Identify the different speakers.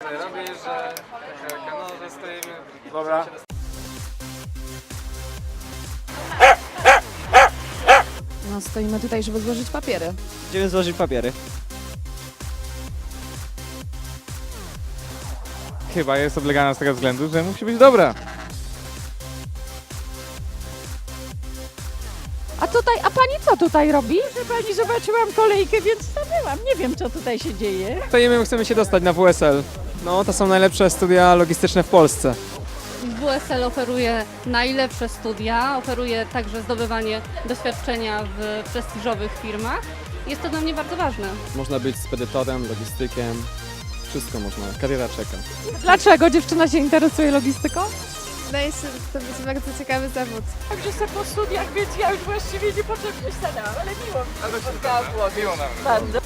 Speaker 1: robię, że no, że stoimy.
Speaker 2: Dobra.
Speaker 3: No, stoimy tutaj, żeby złożyć papiery.
Speaker 4: Idziemy złożyć papiery.
Speaker 2: Chyba jest oblegana z tego względu, że musi być dobra.
Speaker 3: A pani co tutaj robi? Proszę pani, zobaczyłam kolejkę, więc stanęłam. Nie wiem, co tutaj się dzieje.
Speaker 1: Stoimy, chcemy się dostać na WSL. No, to są najlepsze studia logistyczne w Polsce.
Speaker 5: WSL oferuje najlepsze studia, oferuje także zdobywanie doświadczenia w prestiżowych firmach. Jest to dla mnie bardzo ważne.
Speaker 6: Można być spedytorem, logistykiem, wszystko można, kariera czeka.
Speaker 3: Dlaczego dziewczyna się interesuje logistyką?
Speaker 7: Wydaje się, że to być bardzo ciekawy zawód.
Speaker 3: Także se po studiach, więc ja już właściwie niepotrzebnie stanęłam, ale miło mi się spotkało.
Speaker 2: Miło nam.
Speaker 3: Bardzo.